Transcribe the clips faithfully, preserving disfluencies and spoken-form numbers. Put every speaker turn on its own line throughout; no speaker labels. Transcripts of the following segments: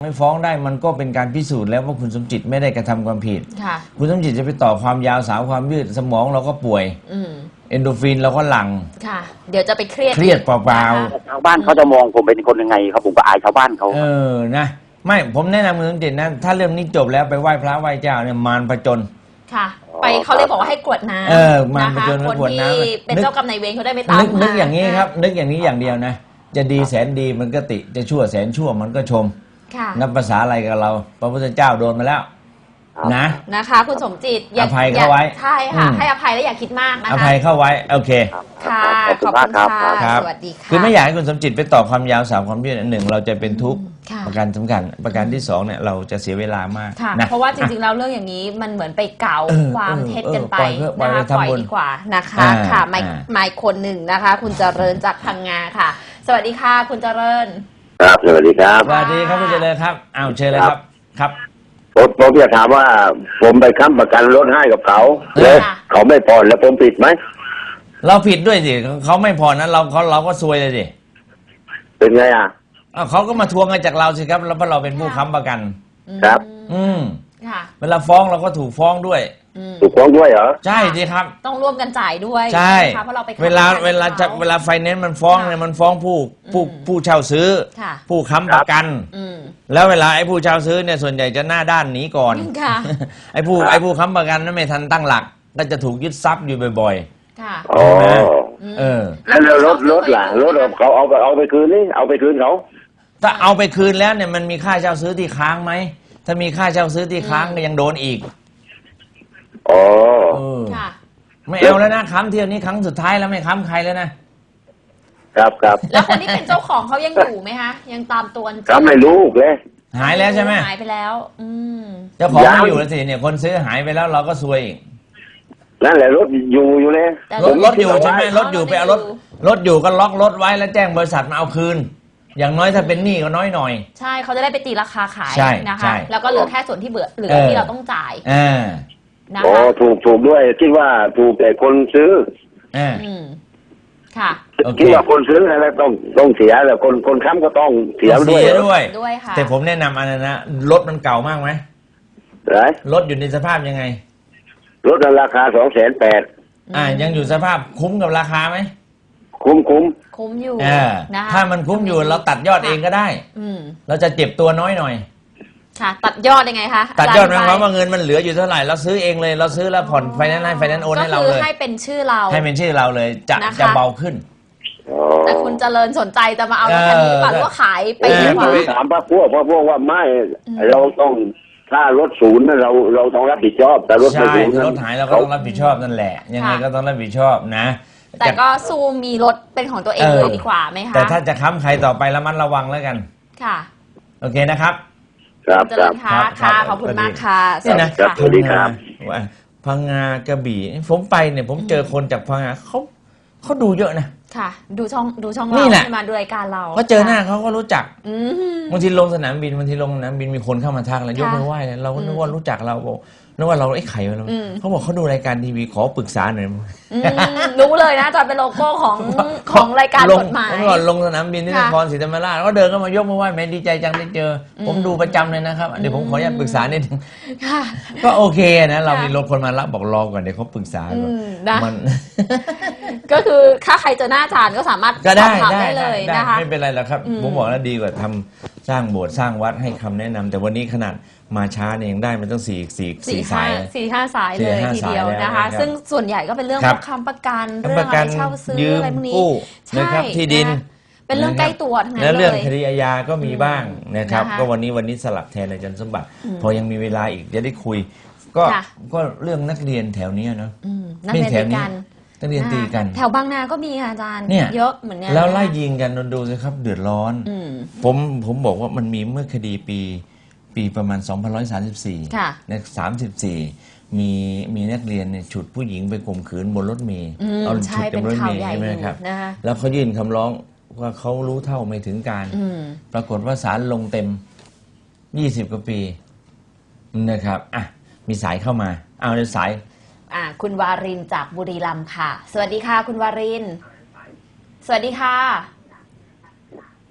ไม่ฟ้องได้มันก็เป็นการพิสูจน์แล้วว่าคุณสมจิตไม่ได้กระทำความผิดคุณสมจิตจะไปต่อความยาวสาวความยืดสมองเราก็ป่วยเอนโดฟินเราก็หลั่ง
ค่ะเดี๋ยวจะไปเครียด
เครียดเปล่า
ๆชาวบ้านเขาจะมองผมเป็นคนยังไงครับผมก็อายชาวบ้านเขา
เออนะไม่ผมแนะนำคุณสมจิตนะถ้าเรื่องนี้จบแล้วไปไหว้พระไหว้เจ้าเนี่ยมารผจญ
ค่ะไปเขาเลยบอกว่าให้กรวดน้ำ
เออมารผจญ
คนที่เป็นเจ้ากรรมนายเวรเขาได้ไม่ตาม
นึกนึกอย่างนี้ครับนึกอย่างนี้อย่างเดียวนะจะดีแสนดีมันก็ติจะชั่วแสนชั่วมันก็ชมนับภาษาอะไรกับเราพระพุทธเจ้าโดนมาแล้วนะ
นะคะคุณสมจิต
อภัยเข้าไว้
ใช่ค่ะให้อภัยและอย่าคิดมากนะคะ
อภัยเข้าไว้โอเค
ค่ะขอบคุณค่ะสวัสดีค่ะ
คือไม่อยากให้คุณสมจิตไปต่อความยาวสาวความยืดหนึ่งเราจะเป็นทุกข์ประการสำคัญประการที่สองเนี่ยเราจะเสียเวลามาก
นะเพราะว่าจริงๆแล้วเรื่องอย่างนี้มันเหมือนไปเก่าความเท็จกันไปนะคะปล่อยดีกว่านะคะค่ะไม่ไม่คนหนึ่งนะคะคุณเจริญจากพังงาค่ะสวัสดีค่ะคุณเจริญ
ครับสวัสดีครับ
สวัสดีครับคุณเจริญครับอ้าวเชิญเลยครับครับ
ผมผมอยากถามว่าผมไปค้ำประกันรถให้กับเขาแล้วเขาไม่ผ่อนแล้วผมผิดไหม
เราผิดด้วยสิเขาไม่ผ่อนนั้นเราเขาเราก็ซวยเลยสิ
เป็นไงอ่ะ
เขาก็มาทวงกันจากเราสิครับแล้วเพราะเราเป็นผู้ค้ำประกัน
ครับ
อืมเวลาฟ้องเราก็ถูกฟ้องด้วย
ถูกฟ้องด้วยเหรอ
ใช่สิครับ
ต้องร่วมกันจ่ายด้วย
ใช่เพราะเราไปเวลาเวลาจะเวลาไฟแนนซ์มันฟ้องเนี่ยมันฟ้องผู้ผู้ผู้เช่าซื้อผู้ค้ำประกันแล้วเวลาไอ้ผู้เช่าซื้อเนี่ยส่วนใหญ่จะหน้าด้านหนีก่อนไอ้ผู้ไอ้ผู้ค้ำประกันนั้นไม่ทันตั้งหลักก็จะถูกยึดทรัพย์อยู่บ่อย
ๆค่ะ
อ๋อ
เออ
แล้วรถรถล่ะรถเขาเอาไปเอาไปคืนนี่เอาไปคืนเขา
ถ้าเอาไปคืนแล้วเนี่ยมันมีค่าเช่าซื้อที่ค้างไหมถ้ามีค่าเช่าซื้อที่ค้างก็ยังโดนอีก
อ๋อ
ค่ะ
ไม่เอาแล้วนะค้ำเที่ยวนี้ครั้งสุดท้ายแล้วไม่ค้ำใครแล้วนะครับ
ครับ
แล้วคนที่เป็นเจ้าของเขายังอยู่ไหมคะยังตามตัว
ค้ำไม่รู้เลย
หายแล้วใช่ไหม
หายไปแล้วอืม
เจ้าของไม่อยู่แล้วสิเนี่ยคนซื้อหายไปแล้วเราก็ซวยอีก
นั่นแหละรถอยู่อยู่เลย
รถรถอยู่ใช่ไหมรถอยู่ไปเอารถรถอยู่ก็ล็อกรถไว้แล้วแจ้งบริษัทมาเอาคืนอย่างน้อยถ้าเป็นหนี้ก็น้อยหน่อย
ใช่เขาจะได้ไปตีราคาขายนะคะแล้วก็เหลือแค่ส่วนที่เบื่อเหลือที่เราต้องจ่าย
อ่า
โอ้ถูกถูกด้วยคิดว่าถูกแต่คนซื้อ
อ่า
ค่ะ
คิดว่าคนซื้ออะไรต้องต้องเสียแต่คนคนค้ำก็ต้องเสียด้วย
ด้วย
ด้วยค่ะ
แต่ผมแนะนำอันนั้นนะรถมันเก่ามากไหม
ไร
รถอยู่ในสภาพยังไง
รถราคาสองแสนแปด
อ่ายังอยู่สภาพคุ้มกับราคาไหม
คุ้มคุ้ม
คุ้มอยู่
นะถ้ามันคุ้มอยู่เราตัดยอดเองก็ได้เราจะเจ็บตัวน้อยหน่อย
ค่ะตัดยอดยังไงคะ
ตัดยอดหมายความว่าเงินมันเหลืออยู่เท่าไหร่เราซื้อเองเลยเราซื้อแล้วผ่อนไฟแนนซ์ให้ไฟแนนซ์โอนให้เราเลย
ก็คือให้เป็นชื่อเรา
ให้เป็นชื่อเราเลยจะจะเบาขึ้น
แต่คุณเจริญสนใจจะมาเอารถคันนี้ป่ะหรือว่าขายไปดีกว่า
ถามพระพวกพระพวกว่าไม่เราต้องถ้ารถศูนย์เราเราต้องรับผิดชอบแต่รถไม่ศูนย์
รถหายเราก็ต้องรับผิดชอบนั่นแหละยังไงก็ต้องรับผิดชอบนะ
แต่ก็ซูมมีรถเป็นของตัวเองเลยดีกว่าไหมคะ
แต่ถ้าจะค้ำใครต่อไประมัดระวังแล้วกัน
ค่ะ
โอเคนะครับ
ครับ
ครับค่ะขอบคุณมากค่ะ
สวัสดีครับสวัสดีครับพังงากระบี่ผมไปเนี่ยผมเจอคนจากพังงาเขาเขาดูเยอะนะ
ค่ะดูช่องดูช่องเราที่มาดูรายการเรา
เขาเจอหน้าเขาก็รู้จักบางทีลงสนามบินบางทีลงสนามบินมีคนเข้ามาทักแล้วยกมือไหว้เราก็นึกว่ารู้จักเราบอกนึกว่าเราไอ้ไข่เราเขาบอกเขาดูรายการทีวีขอปรึกษาหน่อย
รู้เลยนะจอเป็นโลโก้ของของรายการกฎหมาย
เมื่อก่อนลงสนามบินที่นครศรีธรรมราชก็เดินเข้ามายกมือไหว้แม่ดีใจจังได้เจอผมดูประจำเลยนะครับเดี๋ยวผมขออนุญาตปรึกษานิดนึงก็โอเคนะเรามีรถคนมารับบอกรอก่อนเดี๋ยวเขาปรึกษาก่อนมัน
ก็คือถ้าใครเจอหน้าอาจารย์ก็สามารถ
ก็ได้
ได้เลยนะคะ
ไม่เป็นไรหรอกครับผมบอกแล้วดีกว่าทำสร้างโบสถ์สร้างวัดให้คำแนะนำแต่วันนี้ขนาดมาช้าเนี่ยยังได้มันต้องสี่สี่สี่สาย
สี่ห้าสายเลยทีเดียวนะคะซึ่งส่วนใหญ่ก็เป็นเรื่องคำประกันเรื่องอะไรเช่าซื้ออะไรพวกนี้
นะครับที่ดิน
เป็นเรื่องใกล้ตัวทั้งนั้นเลย
และเรื่องคดีอาญาก็มีบ้างนะครับก็วันนี้วันนี้สลับแทนอาจารย์สมบัติพอยังมีเวลาอีกจะได้คุยก็ก็เรื่องนักเรียนแถวนี้เนาะ
ไม่แถวนี้
นักเรียนตีกัน
แถวบางนาก็มีอาจารย์เยอะเหมือนกัน
แล้วไล่ยิงกันดูสิครับเดือดร้อนผมผมบอกว่ามันมีเมื่อคดีปีปีประมาณสองพันหนึ่งร้อยสามสิบสี่ในสามสิบสี่มีมีนักเรียนเนี่ยฉุดผู้หญิงไปข่มขืนบนรถเมล์
เอาฉุดบนรถเมล์
ใช่ไหมครับแล้วเขายื่นคำร้องว่าเขารู้เท่าไม่ถึงการปรากฏว่าศาลลงเต็มยี่สิบกว่าปีนะครับอ่ะมีสายเข้ามาเอาในสาย
อ่าคุณวารินจากบุรีรัมย์ค่ะสวัสดีค่ะคุณวารินสวัสดีค่ะ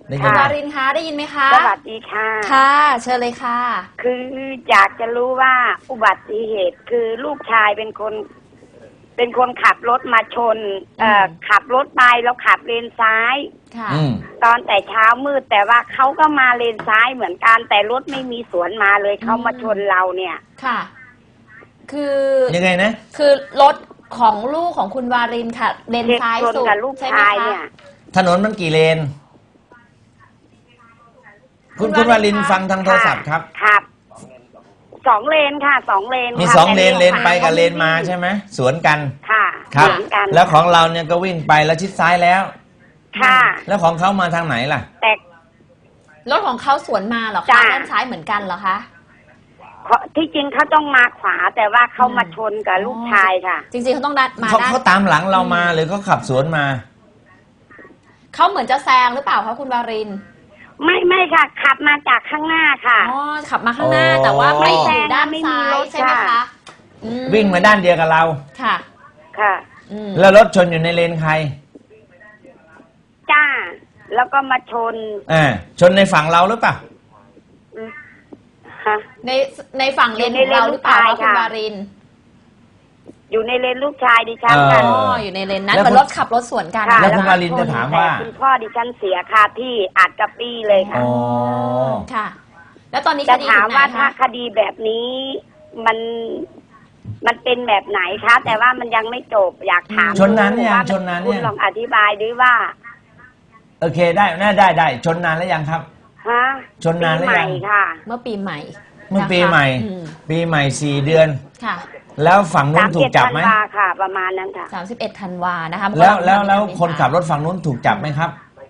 ได้ยิ
คุ
น
ณ
ไหม
วารินคะได้ยินไหมคะ
สวัสดีค่ะ
ค่ะ เชิญเลยค่ะ
คืออยากจะรู้ว่าอุบัติเหตุคือลูกชายเป็นคน เป็นคนขับรถมาชน เอ่อ
อืม
ขับรถไปแล้วขับเลนซ้าย
ค่ะ
อืม
ตอนแต่เช้ามืดแต่ว่าเขาก็มาเลนซ้ายเหมือนกันแต่รถไม่มีสวนมาเลยเขามาชนเราเนี่ย
ค่ะ คือ
ยังไงนะ
คือรถของลูกของคุณวารินค่ะ เลนซ้าย
ชน
สุด
กับลูก
ใช่ไหม
ชาย
คะ
เนี่ย
ถนนมันกี่เลน คุณ
คุ
คุณ
ณ
วาว
าริ
ริน
นคะ
ฟังทางโทรศัพท์ครับ
ครับสองเลนค่ะสองเลน
มี
ค่ะ
สองเลน
แต่
เลนไปกับ
ข
เลนมาใช่ไหมสวนกัน
ค่ะ
ครับ
เหมือนกัน
แล้วของเราเนี่ยก็วิ่งไปแล้วชิดซ้ายแล้ว
ค่ะ
แล้วของเขามาทางไหนล่ะ
แต่
รถของเขาสวนมาเหรอคะ
จ้ะ
ด้านซ้ายเหมือนกันเหรอคะ
เขาที่จริงเขาต้องมาขวาแต่ว่าเขา
อืม
มาชนกับลูกชายค่ะ
จริงๆเขาต้องดันมา
เขา
ด้าน
เขาตามหลังเรามาหรือเขาขับสวนมา
เขาเหมือนจะแซงหรือเปล่าคะคุณวาริน
ไม่ไม่ค่ะ ขับมาจากข้างหน้าค่ะ
อ๋อ ขับมาข้างหน้า
อ๋อ
แต่ว่าไม่
ไม่แซ
ถึ
ง
งด้าน
ไม่มี
ซ้าย
รถ
ใช่ไหม
ค่ะ
คะอื
วิ่งมาด้านเดียวกับเรา
ค่ะ
ค่ะ
อืม
แล้วรถชนอยู่ในเลนใคร
จ้า แล้วก็มาชน
อ่าชนในฝั่งเราหรือเปล่า
ฮะ
ในในฝั่งเลน
อยู่
ข
ใน
องเราหรือเปล่า
เลน
คะ
ลูก
คุณ
ชายค่ะ
วาริน
อยู่ในเลนลูกชายดิฉัน
เออ
กัน
อ๋อ อยู่ในเลนนั้น
แล้ว
เหมือน
คุณ
รถขับรถสวนกัน
ค่ะ
แล้ว
ก็
คุณวารินจะถามว่า
แต่คุณพ่อดิฉันเสียคาที่อัดกระปี้เลยค่ะ
อ๋อ
ค่ะ แล้วตอนนี้ค
จะ
ดี
ถาม
ถึงไหน
ว่าถ้า
คะ
คดีแบบนี้มันมันเป็นแบบไหนคะ แต่ว่ามันยังไม่จบอยากถาม
ชนนานเนี่ยง
ว่า
ชนนานเนี่ยง
คุณลองอธิบายด้วยว่า
โอเคได้น่าได้ได้ชนนานแล้วยังครับ
ฮะ
ชนนานหรือยัง
ปีใหม่ค่ะ
เมื่อปีใหม่
เมื่อปี
นะคะ
ใหม่
อืม
ปีใหม่สี่เดือน
ค่ะ
แล้วฝั่งนู้
สาน ม
ถู
เจ็
ก
ด
จับ
ธัน
ไหม
วาค่ะ ประมาณนั้นค่ะ
สามสิบเอ็ดธันวานะคะ
แล้วแล้วแล้วคนขับรถฝั่งนู้นถูกจับไหมครับ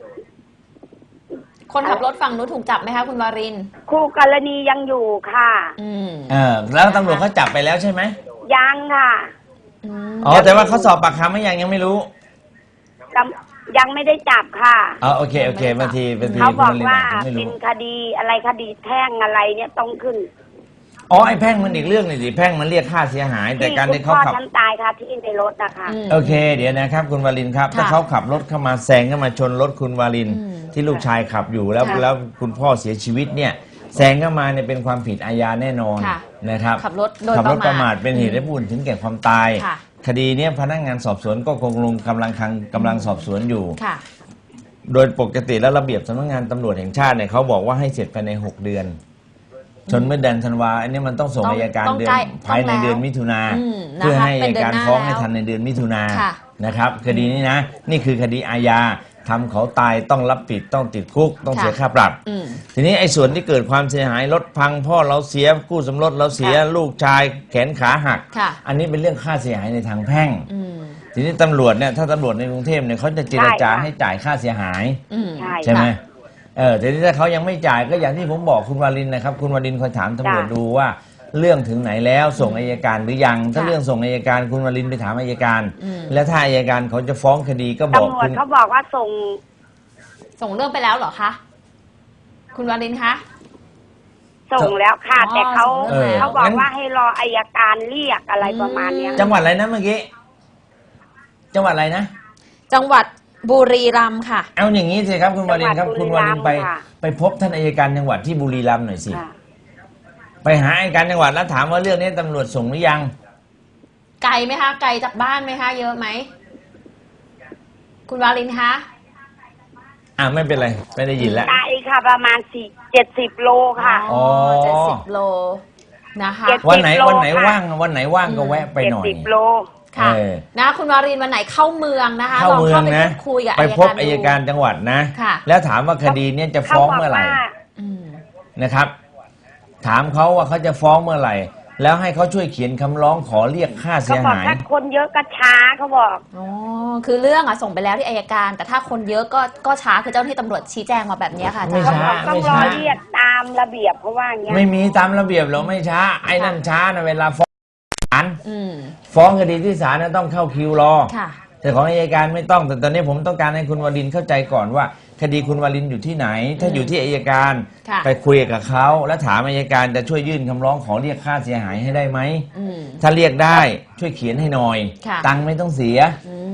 คนขับรถฝั่งนู้นถูกจับไหมคะคุณวาริน
คู่กรณียังอยู่ค่ะ
อืม
เออแล้วตำรวจเขาจับไปแล้วใช่ไหม
ยังค่ะ
อืม
อ๋อแต่ว่าเขาสอบปากคำไม่ยังยังไม่รู้
กำยังไม่ได้จับค่ะ
อ๋อโอเคโอเคบางทีบางที
เขาบอก
คุณวริน
ว่า
อาจจะไม่
เป็น
รู้
คดีอะไรคดีแพ่งอะไรเนี่ยต้องขึ้น
อ๋อไอ้แพ่งมันอีกเรื่องหนึงสิแพ่งมันเรียกค่าเสียหาย แต่
ที่
การ
คุณ
ที่เขา
พ่อ
ขับ
ฉันตายค่ะที่ในรถนะคะ
ม
โอเค เดี๋ยวนะครับคุณวารินครับ
ค่ะ
ถ้าเขาขับรถเข้ามาแซงเข้ามาชนรถคุณวาริน
อืม
ที่ลูกชายขับอยู่แล้ว
ค่ะ
แล้วคุณพ่อเสียชีวิตเนี่ยแซงเข้ามาเนี่ยเป็นความผิดอาญาแน่นอน
ค่ะ
นะครับ
ขับรถโดย
ขับรถประมาท
ประมาท
เป็นเหตุ
อืม
ให้ผู้อื่นถึงแก่ความตาย
ค่ะ
คดีเนี้ยพนักงานสอบสวนก็คงลงกำลังทางกำลังสอบสวนอยู่
ค่ะ
โดยปกติแล้วระเบียบสำนักงานตำรวจแห่งชาติเนี่ยเขาบอกว่าให้เสร็จภายในหกเดือน ชนเมื่อเดือนธันวาอันนี้มันต้องส่ง
ต้อง
อัยการ
ต้อง
เดือน
ใกล้
ภายใน
ต้องแล้ว
เดือนมิถุนา
อืมนะคะ
เพื่อให้อั
เป็น
ย
เดือน
การ
หน้า
ฟ้องให้
แล้ว
ทันในเดือนมิถุนา
ค่ะ
นะครับ คดีนี้นะ นี่คือคดีอาญาทำเขาตายต้องรับผิดต้องติดคุก ต้อง
ค่ะ
เสียค่าปรับ
อืม
ทีนี้ไอ้ส่วนที่เกิดความเสียหายรถพังพ่อเราเสียกู้สมรสเราเสีย
ค่ะ
ลูกชายแขนขาหัก
ค่ะ
อันนี้เป็นเรื่องค่าเสียหายในทางแพ่ง
อืม
ทีนี้ตำรวจเนี่ยถ้าตำรวจในกรุงเทพเนี่ยเขาจะเจรจา
ใช่ค่ะ
ให้จ่ายค่าเสียหาย
อืม
ใช่
ใช่ไหม
ค่ะ
เออแต่ถ้าเขายังไม่จ่ายก็อย่างที่ผมบอกคุณวารินนะครับ คุณวารินคอยถามตำรวจ
จ้ะ
ดูว่าเรื่องถึงไหนแล้วส่งอัยการหรือยัง ถ้า
ค่ะ
เรื่องส่งอัยการคุณวารินไปถามอัยการ
อืม
แล้วถ้าอัยการเขาจะฟ้องคดีก็บอก
ตำรว
คุ
จ
ณ
เขาบอกว่าส่ง
ส่งเรื่องไปแล้วเหรอคะ คุณวารินคะ
ส่งแล้วค่ะ
อ๋อ
แต่เขา
ส่งเรื่องแล้ว
เขาบอกว่าให้รออัยการเรียกอะไรประมาณเนี้ย
จังหวัดอะไรนะเมื่อกี้จังหวัดอะไรนะ
จังหวัดบุรีรัมย์ค่ะ
เอาอย่างนี้สิครับคุณวารินครับ คุณวารินไป
ค่ะ
ไปพบท่านอัยการจังหวัดที่บุรีรัมย์หน่อยสิ
ค่ะ
ไปหาอัยการจังหวัดแล้วถามว่าเรื่องนี้ตำรวจส่งหรือยัง
ไกลไหมคะ ไกลจากบ้านไหมคะ เยอะไหม คุณวารินคะ
อ่าไม่เป็นไรไม่ได้ยินแล้ว
ไกลค่ะ ประมาณสี่เจ็ดสิบโลค่ะ
อ๋อ
เจ็ดสิบโลนะคะ
เจ็ด
วันไหน
สิบโล
วันไหน
ค่ะ
ว่างวันไหนว่างก็
อืม
แวะไป
เจ็ด
หน่อย
สิบโล
ค่ะ
เออ
นะคุณวารินวันไหนเข้าเมืองนะคะ
เข้า
ลอง
เมือ
เข้าง ไป
นะ
พูดคุยกับ
ไป
อัย
พบ
การ
อัยการจังหวัดนะ
ค่ะ
แล้วถามว่าคดีเนี้ยจะ
เขา
ฟ้อง
บอก
เมื่อไหร่
ว่า
อืม
นะครับ ถามเขาว่าเขาจะฟ้องเมื่อไหร่ แล้วให้เขาช่วยเขียนคำร้องขอเรียกค่า
เขา
เสีย
บอก
หาย
ถ้าคนเยอะก็ช้าเขาบอก
อ๋อ คือเรื่องอะส่งไปแล้วที่อัยการ แต่ถ้าคนเยอะก็ก็ช้าคือเจ้าหน้าที่ตำรวจชี้แจงมาแบบเนี้ยค่ะอา
ไม่
จารย์
ช้า
ต้องรอเรียกตามระเบียบเพราะว่าอย่างเงี้ย
ไม่มีตามระเบียบหรอกไม่ช้า ไอ้นั่นช้านะเวลาฟ้องศาล
อืม
ฟ้องคดีที่ศาลนะต้องเข้าคิวรอ
ค่ะ
แต่ของอัยการไม่ต้อง แต่ตอนนี้ผมต้องการให้คุณวรินทร์เข้าใจก่อนว่า คดีคุณวรินทร์อยู่ที่ไหน ถ้าอยู่ที่อัยการ
ค่ะ
ไปคุยกับเขาแล้วถามอัยการจะช่วยยื่นคำร้องขอเรียกค่าเสียหายให้ได้ไหม
อืม
ถ้าเรียกได้ช่วยเขียนให้หน่อย
ค่ะ
ตังค์ไม่ต้องเสีย
อืม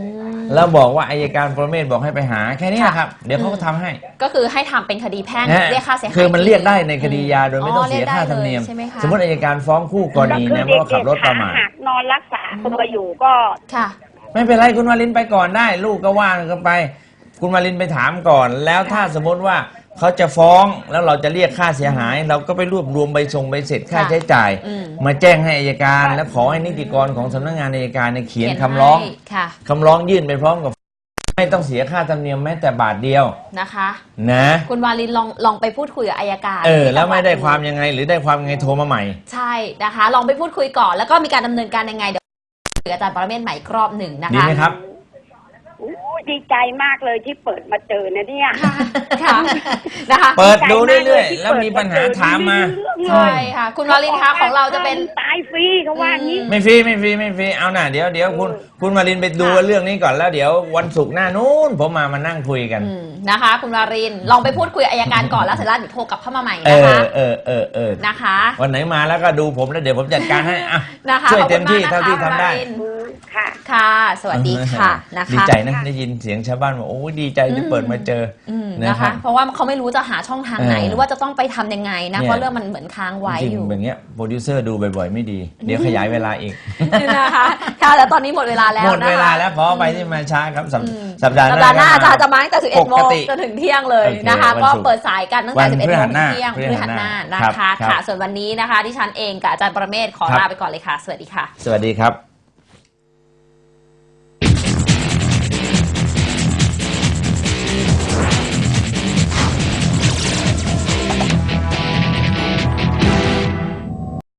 แล้วบอกว่าอัยการปรเมศบอกให้ไปหาแค่นี้นะครับเดี๋ยวเขาก็ทำให้
ก็คือให้ทำเป็นคดีแพ่งเรียกค่าเสียหาย
คือมันเรียกได้ในคดียาโดยไม่ต้องเสียค่าธรรมเนียมสมมติอัยการฟ้องคู่กรณีนะเพราะขับรถประมาท
นอนรักษาตัวอยู่ก็
ค่ะ
ไม่เป็นไรคุณวารินไปก่อนได้ลูกก็ว่างกันไปคุณวารินไปถามก่อนแล้วถ้าสมมติว่าเขาจะฟ้องแล้วเราจะเรียกค่าเสียหายเราก็ไปรวบรวมใบส่งใบเสร็จค่าใช้จ่ายมาแจ้งให้อัยการและขอให้นิติกรของสำนักงานอัยการเขียนคำร้องคำร้องยื่นไปพร้อมกับไม่ต้องเสียค่าธรรมเนียมแม้แต่บาทเดียว
นะคะ
นะ
คุณวารินลองลองไปพูดคุยกับอัยการ
เออแล้วไม่ได้ความยังไงหรือได้ความยังไงโทรมาใหม่
ใช่นะคะลองไปพูดคุยก่อนแล้วก็มีการดำเนินการยังไงเดี๋ยวอาจารย์ปรเมศใหม่อีกรอบหนึ่งนะคะ
ดีไหมครับ
ดีใจมากเลยที่เปิดมาเจอนะเนี่ย
ค่ะนะคะ
เปิดดูเรื่อยๆแล้วมีปัญหาถามมา
ใช่ค่ะคุณวารินคะของเราจะเป็น
ตายฟรีเขาว่างี้
ไม่ฟรีไม่ฟรีไม่ฟรีเอาหน่าเดี๋ยวเดี๋ยวคุณคุณวารินไปดูเรื่องนี้ก่อนแล้วเดี๋ยววันศุกร์หน้านู้นผมมามานั่งคุยกัน
นะคะคุณวารินลองไปพูดคุยอัยการก่อนแล้วเสร็จแล้วเดี๋ยวโทรกลับเข้ามาใหม่นะคะ
เออเออเออ
นะคะ
วันไหนมาแล้วก็ดูผมแล้วเดี๋ยวผมจัดการให้อ่ะ
นะคะ
ช่วยเต็มที่เท่าที่ทำได้
ค่ะ
ค่ะสวัสดีค่ะนะคะ
ดีใจนะได้ยินเสียงชาวบ้านบอกโอ้ดีใจที่เปิดมาเจอ
นะคะเพราะว่าเขาไม่รู้จะหาช่องทางไหนหรือว่าจะต้องไปทำยังไงนะเพราะเรื่องมันเหมือนค้างไว้อยู่
อย่างเงี้ยโปรดิวเซอร์ดูบ่อยๆไม่ดีเดี๋ยวขยายเวลาอีก
นะคะค่ะแล้วตอนนี้หมดเวลาแล้ว
หมดเวลาแล้วขอไปที่มาช้าครับสัปดาห์
หน้าอาจารย์จะมาตั้งแต่สิบเอ็ดโมงจนถึงเที่ยงเลยนะคะก็เปิดสายกันตั้งแต่สิบเอ็ดโมงถึงเที่ยงพฤหัสหน้านะคะค่ะส่วนวันนี้นะคะที่ฉันเองกับอาจารย์ปรเมศขอลาไปก่อนเลยค่ะสวัสดีค่ะ
สวัสดีครับ